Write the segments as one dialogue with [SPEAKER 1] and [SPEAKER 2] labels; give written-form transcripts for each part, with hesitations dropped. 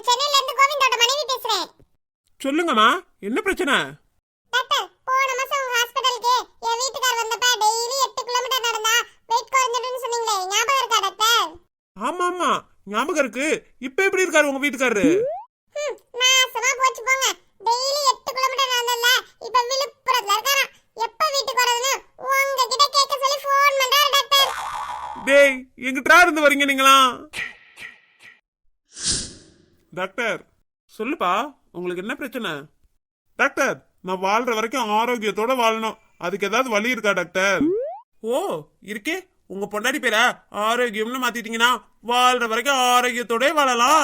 [SPEAKER 1] சென்னையில இருந்து கோவிந்தோட மனைவி பேசுறேன்.
[SPEAKER 2] சொல்லுங்கம்மா, என்ன பிரச்சனை?
[SPEAKER 1] டாக்டர், போன மாசம் உங்க ஹாஸ்பிடலுக்கு என் வீட்டுக்கார் வந்தப்ப டெய்லி 8 கிலோமீட்டர் நடந்தா வெயிட் குறைஞ்சிடும்னு சொன்னீங்களே, ஞாபகம் இருக்கா டாக்டர்?
[SPEAKER 2] ஆமா ஆமா, ஞாபகம் இருக்கு. இப்ப எப்படி இருக்காரு உங்க வீட்டுக்காரரு?
[SPEAKER 1] நாசமா போச்சு போங்க. டெய்லி 8 கிலோமீட்டர் நடந்தல, இப்ப விழுப்புரத்துல இருக்காராம். எப்ப வீட்டுக்கு வரதுன்னு உங்ககிட்ட கேட்க சொல்லி ஃபோன் பண்றாரு டாக்டர்.
[SPEAKER 2] டேய், எங்கிட்டா இருந்து வரீங்க நீங்களா? டாக்டர் சொல்லுப்பா, உங்களுக்கு என்ன பிரச்சனை? டாக்டர், நான் வாழ்ற வரைக்கும் ஆரோக்கியத்தோட வாழணும், அதுக்கு ஏதாவது வழி இருக்கா டாக்டர்? ஓ இருக்கே, உங்க பொண்டாடி பேரா ஆரோக்கியம்னு மாத்திட்டீங்கன்னா வாழ்ற வரைக்கும் ஆரோக்கியத்தோட வாழலாம்.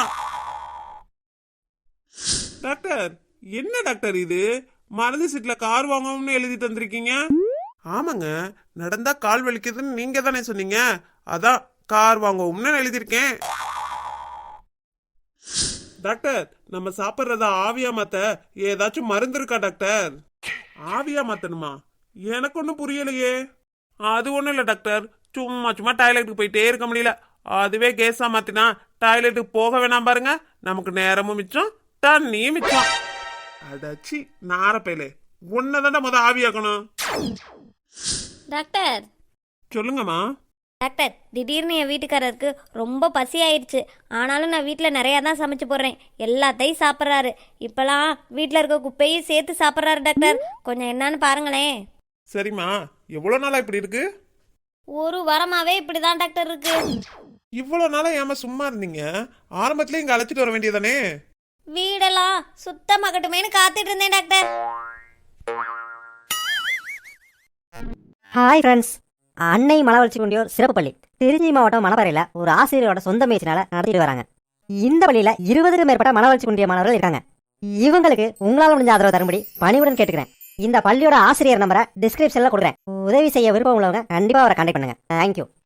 [SPEAKER 2] டாக்டர், என்ன டாக்டர் இது? மருந்து சீட்ல கார் வாங்கணும்னு எழுதி தந்திருக்கீங்க. ஆமாங்க, நடந்தா கால் வலிக்குதுன்னு நீங்க தானே சொன்னீங்க, அதான் கார் வாங்குவோம்னு எழுதியிருக்கேன். டாக்டர், நம்ம சாப்பிட்றத ஆவியா மாத்த ஏதாச்சும் மருந்து இருக்கா டாக்டர்? ஆவியா மாத்தணுமா? எனக்கு ஒன்றும் புரியலையே. அது ஒன்றும் இல்லை டாக்டர், சும்மா சும்மா டாய்லெட்டுக்கு போயிட்டே இருக்க முடியல, அதுவே கேஸா மாத்தினா டாய்லெட்டுக்கு போக வேணாம் பாருங்க, நமக்கு நேரமும் மிச்சம் தண்ணியும் மிச்சம். அடாச்சி நாரப்பையிலே, ஒன்னதாண்டா முத ஆவியாக்கணும்.
[SPEAKER 3] டாக்டர்
[SPEAKER 2] சொல்லுங்கம்மா.
[SPEAKER 3] டாக்டர், திடீர்னு என் வீட்டுக்காரருக்கு ரொம்ப பசி ஆயிடுச்சு. ஆனாலும் நான் வீட்டில் நிறையா தான் சமைச்சு போடுறேன், எல்லாத்தையும் சாப்பிட்றாரு. இப்போலாம் வீட்டில் இருக்க குப்பையும் சேர்த்து சாப்பிட்றாரு டாக்டர், கொஞ்சம் என்னன்னு பாருங்களேன்.
[SPEAKER 2] சரிம்மா, எவ்வளோ நாளா இப்படி இருக்கு?
[SPEAKER 3] ஒரு வாரமாவே இப்படி தான் டாக்டர் இருக்கு.
[SPEAKER 2] இவ்வளோ நாளா ஏமா சும்மா இருந்தீங்க? ஆரம்பத்துல இங்க அழைச்சிட்டு வர வேண்டியதானே?
[SPEAKER 3] வீடெல்லாம் சுத்தமாகட்டுமேனு காத்துட்டு இருந்தேன் டாக்டர்.
[SPEAKER 4] ஹாய் ஃப்ரெண்ட்ஸ், அன்னை மனவளர்ச்சி குண்டியோர் சிறப்பு பள்ளி திருச்சி மாவட்டம் மணப்பாறையில் ஒரு ஆசிரியரோட சொந்த முயற்சினால நடத்திட்டு வராங்க. இந்த பள்ளியில் 20க்கும் மேற்பட்ட மனவளர்ச்சி குண்டிய மாணவர்கள் இருக்காங்க. இவங்களுக்கு உங்களால் முடிஞ்ச ஆதரவு தரும்படி பணிவுடன் கேட்டுக்கிறேன். இந்த பள்ளியோட ஆசிரியர் நம்பரை டிஸ்கிரிப்ஷனில் கொடுக்குறேன். உதவி செய்ய விருப்பம் உள்ளவங்க கண்டிப்பாக அவரை கான்டாக்ட் பண்ணுங்க. தேங்க்யூ.